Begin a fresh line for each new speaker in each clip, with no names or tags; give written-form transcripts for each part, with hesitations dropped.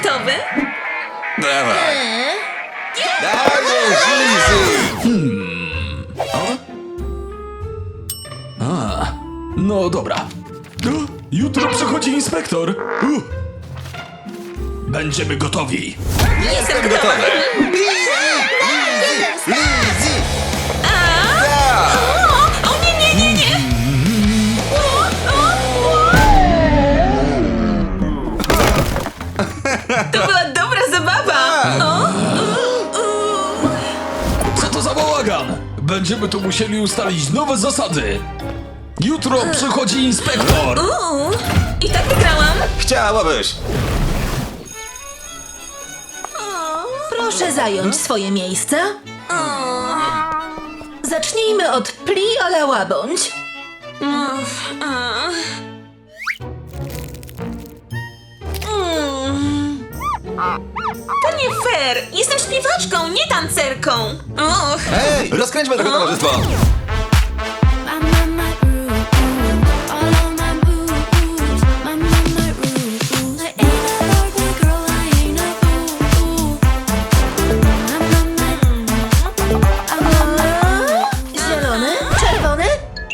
gotowy?
Dawaj. Dajesz, Lizzy!
No dobra. Jutro przychodzi inspektor. Będziemy gotowi.
Jestem gotowy.
Lizzy!
O nie, nie, nie, nie! To była dobra zabawa!
Co to za bałagan? Będziemy tu musieli ustalić nowe zasady. Jutro przychodzi inspektor.
I tak wygrałam!
Chciałabyś.
Proszę zająć swoje miejsca. Zacznijmy od pli ala łabądź.
To nie fair! Jestem śpiewaczką, nie tancerką! Och!
Hej, rozkręćmy tego towarzystwo.
I'm on my groove, all on my moves. I'm on my groove. I ain't a Barbie girl, I ain't a fool. I'm on my
Zielony? Czerwony?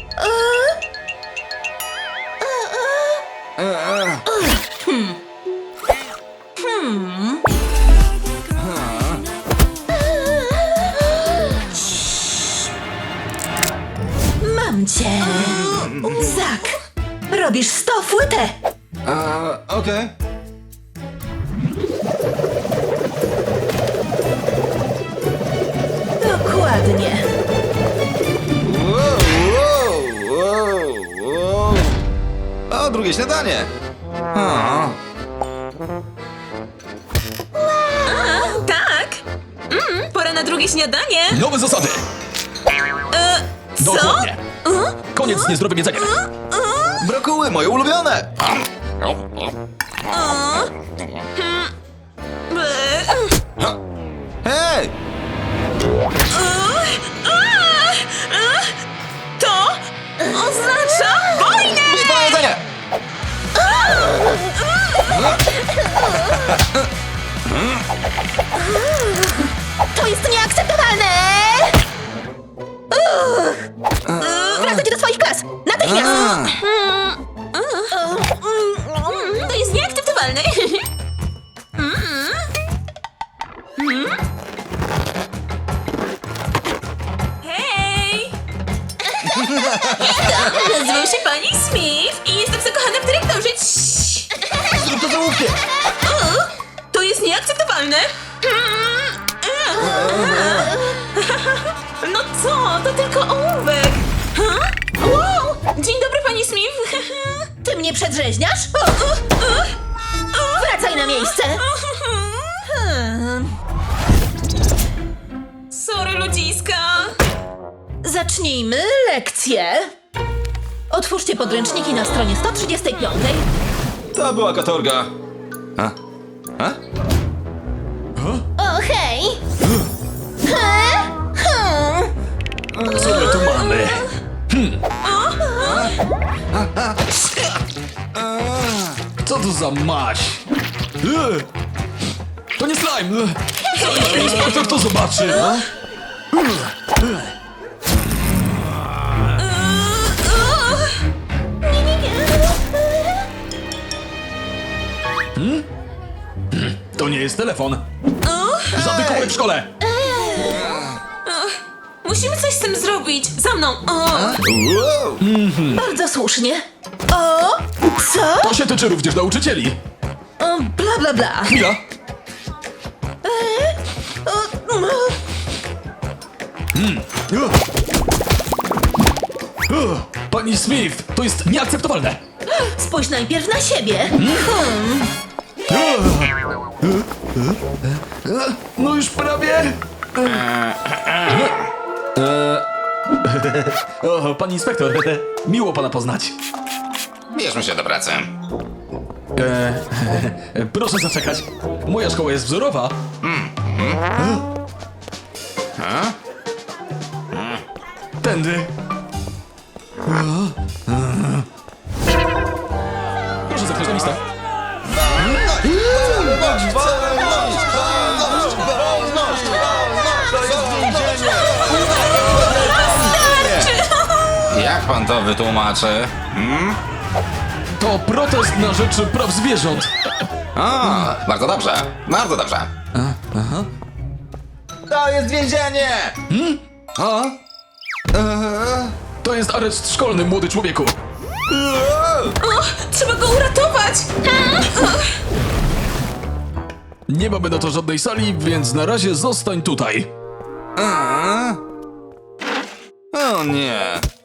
Mam cię. Zak, robisz 100 fłytę.
Okej.
Dokładnie.
Wow. O, drugie śniadanie.
Tak! Pora na drugie śniadanie!
Nowe zasady.
Co?
Dokładnie. Koniec z niezdrowym jedzeniem.
Brokuły, moje ulubione. Hej!
To oznacza wojnę!
Bitwa jedzenie!
To jest nieakceptowalne! Wracajcie do swoich klas! Natychmiast!
To jest nieakceptowalne! Hej! Nazywam się pani Smith i jestem zakochana w dyrektorze. Ciii.
Zrób to załóżcie!
To jest nieakceptowalne! No co? To tylko ołówek! Wow! Dzień dobry, pani Smith!
Ty mnie przedrzeźniasz? Wracaj na miejsce!
Sorry, ludziska!
Zacznijmy lekcję. Otwórzcie podręczniki na stronie 135.
To była katorga.
O, hej!
Co my tu mamy? Co to za maś? To nie slime! Co jeśli inspektor to zobaczy? To nie jest telefon. Zadykuję w szkole.
Musimy coś z tym zrobić! Za mną!
Wow.
Bardzo słusznie. O, co?
To się tyczy również nauczycieli.
O, bla, bla, bla.
Chwila. Pani Smith, to jest nieakceptowalne.
Spójrz najpierw na siebie.
No już prawie. O, pani inspektor, miło pana poznać.
Bierzmy się do pracy.
Proszę zaczekać. Moja szkoła jest wzorowa. Tędy. Proszę zerknąć na listę.
pan to wytłumaczy?
To protest na rzecz praw zwierząt.
O, bardzo dobrze, bardzo dobrze. To jest więzienie! O?
To jest areszt szkolny, młody człowieku.
O, trzeba go uratować!
Nie mamy na to żadnej sali, więc na razie zostań tutaj.
O nie.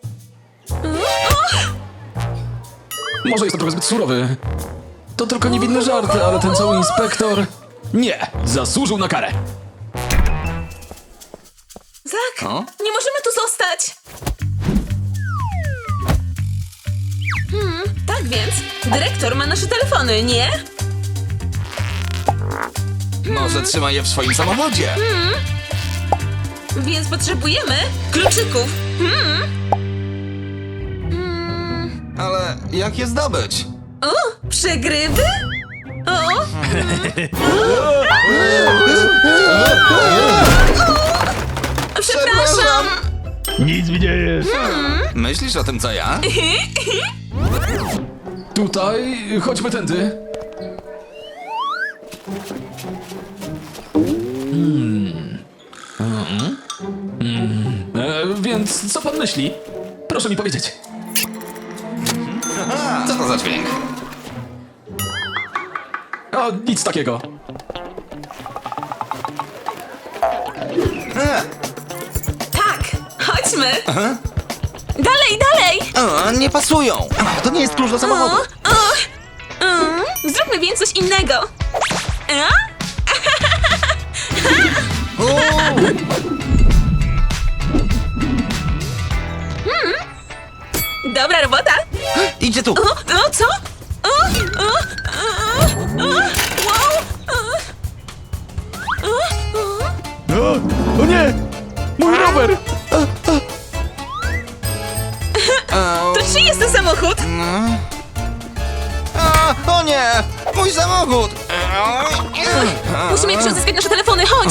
Może jest to trochę zbyt surowy. To tylko niewinny żart, ale ten cały inspektor... Nie, zasłużył na karę.
Zak,
O?
nie możemy tu zostać! Tak więc, dyrektor ma nasze telefony, nie?
Może trzyma je w swoim samochodzie.
Więc potrzebujemy kluczyków.
Ale jak je zdobyć?
O, przegrywy? O! Przepraszam!
Nic mi nie jest.
Myślisz o tym, co ja?
Tutaj, chodźmy tędy. Więc co pan myśli? Proszę mi powiedzieć.
Co to za dźwięk?
O, nic takiego.
Tak, chodźmy! Dalej, dalej!
O, nie pasują. To nie jest klucz do samochodu.
Zróbmy więc coś innego. Dobra robota!
Idzie tu.
O, co? Wow!
O nie! Mój rower!
To czyj jest ten samochód?
O nie! Mój samochód!
Musimy jeszcze odzyskać nasze telefony, chodź!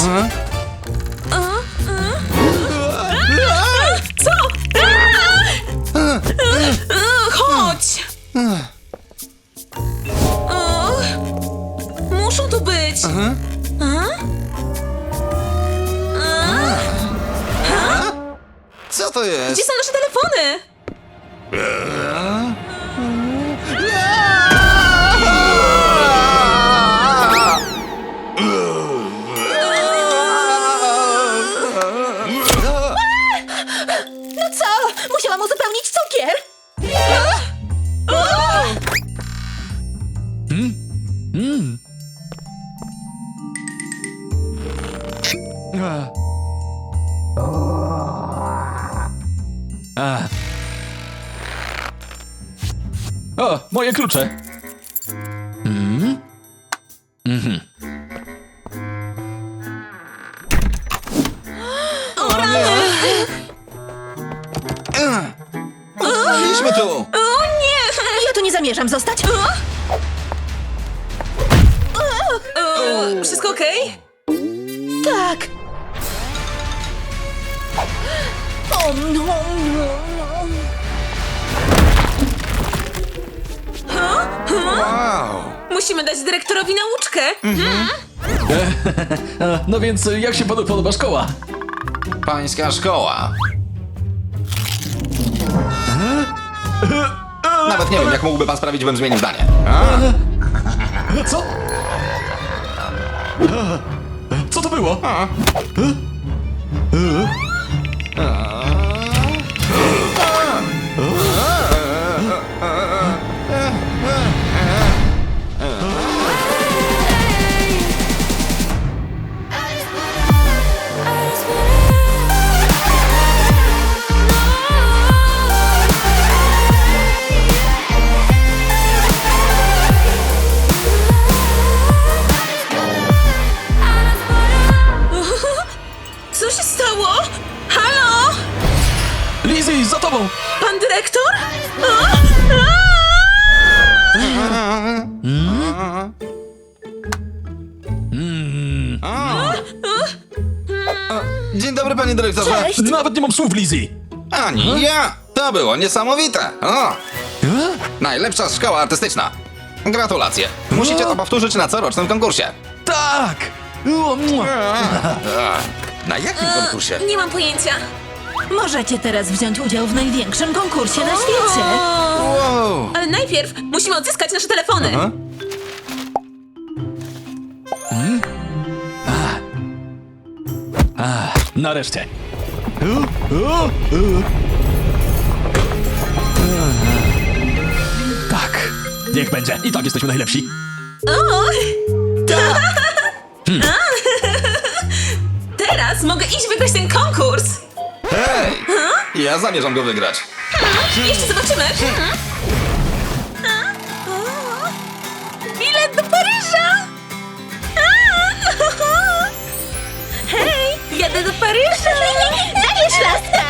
Co? Chodź! Muszą tu być!
Co to
Gdzie
jest?
są nasze telefony?
No co? Musiałam uzupełnić cukier.
O, moje klucze.
Byliśmy tu!
O nie!
Ja tu nie zamierzam zostać.
Wszystko okej?
Tak. O, no, no.
Wow!
Musimy dać dyrektorowi nauczkę.
No więc jak się panu podoba szkoła?
Pańska szkoła. Nawet nie wiem, jak mógłby pan sprawić, bym zmienił zdanie.
Co? Co to było?
Co się stało? Halo?
Lizzie, za tobą!
Pan dyrektor?
Dzień dobry, panie dyrektorze.
Cześć.
Nawet nie mam słów, Lizzie!
Ani ja! To To było niesamowite. O, najlepsza szkoła artystyczna. Gratulacje. Musicie to powtórzyć na corocznym konkursie.
Tak! O, mua.
Na jakim konkursie?
Nie mam pojęcia.
Możecie teraz wziąć udział w największym konkursie na świecie.
Wow.
Ale najpierw musimy odzyskać nasze telefony.
Aha.
Nareszcie. Tak, niech będzie. I tak jesteśmy najlepsi.
Teraz mogę iść wygrać ten konkurs.
Hej! Ja zamierzam go wygrać.
Jeszcze zobaczymy. Bilet do Paryża. Hej, jadę do Paryża.
Dajesz, laska!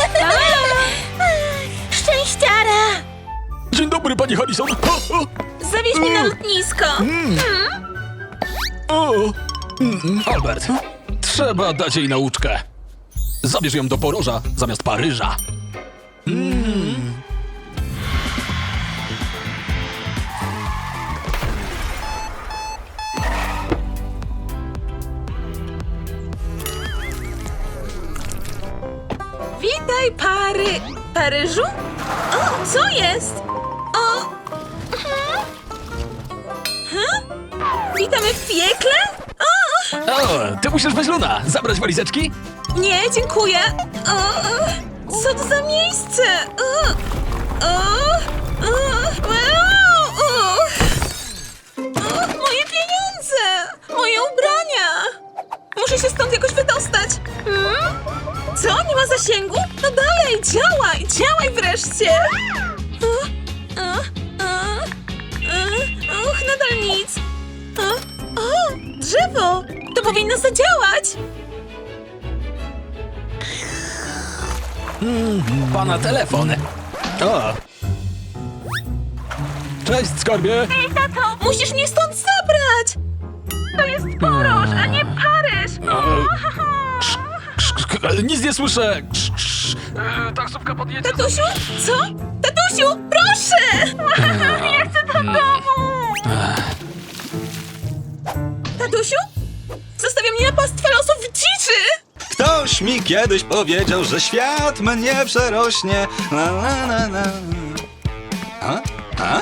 Szczęściara!
Dzień dobry, pani Harrison.
Zawieź mnie na lotnisko.
Albert, trzeba dać jej nauczkę. Zabierz ją do Poroża zamiast Paryża.
Witaj, Paryżu? O, co jest? O! Witamy w piekle? O!
O, ty musisz bez Luna. Zabrać walizeczki?
Nie, dziękuję. O! Co to za miejsce? O! O! O! O! O! Moje pieniądze! Moje ubrania! Muszę się stąd jakoś wydostać. Co? Nie ma zasięgu? No dalej, działaj! Działaj wreszcie! Och, nadal nic. O, drzewo! To powinno zadziałać!
Pana telefon. O. Cześć, skarbie.
Tato, musisz mnie stąd zabrać! To jest Poroż, a nie Paryż!
Nic nie słyszę. Taksówka podjedzie.
Tatusiu? Co? Tatusiu, proszę! Ja chcę do domu! Tatusiu? Zostawia mnie na pastwę losów w dziczy!
Ktoś mi kiedyś powiedział, że świat mnie przerośnie. La, la, la, la. A? A?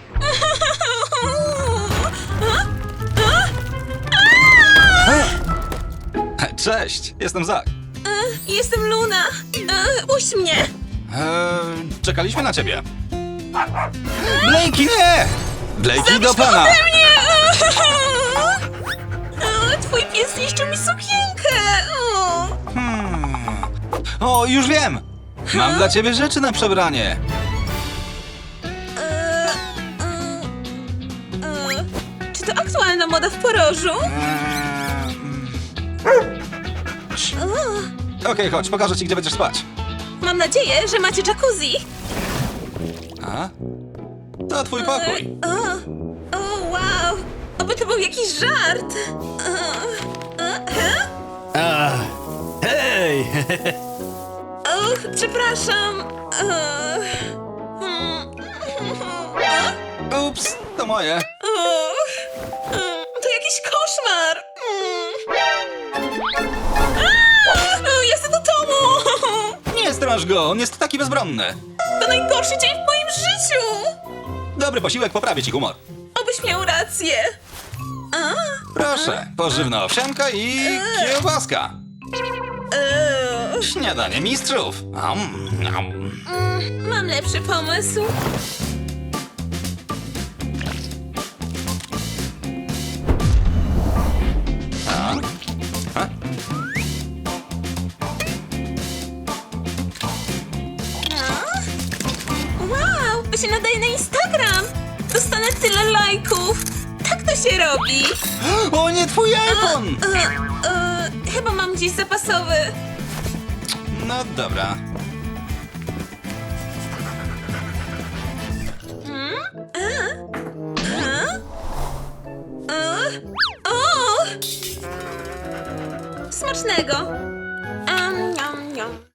Cześć, jestem Zach.
Jestem Luna. Puść mnie.
Czekaliśmy na ciebie. Blakey, nie! Blakey do pana!
Nie! Twój pies zniszczył mi sukienkę.
O, już wiem! Mam dla ciebie rzeczy na przebranie.
Czy to aktualna moda w Porożu?
Okej, chodź, pokażę ci, gdzie będziesz spać.
Mam nadzieję, że macie jacuzzi.
A? To twój pokój.
O, wow. Oby to był jakiś żart.
Hej!
Och, przepraszam.
Ups, to moje.
To jakiś koszmar. Jestem do domu.
Nie straż go, on jest taki bezbronny.
To najgorszy dzień w moim życiu.
Dobry posiłek poprawi ci humor.
Obyś miał rację.
Proszę, pożywna owsianka i kiełbaska. Śniadanie mistrzów.
Mam lepszy pomysł. Wow, to się nadaje na Instagram. Dostanę tyle lajków. Tak to się robi.
O nie, twój iPhone!
Chyba mam gdzieś zapasowy.
No dobra.
Smacznego.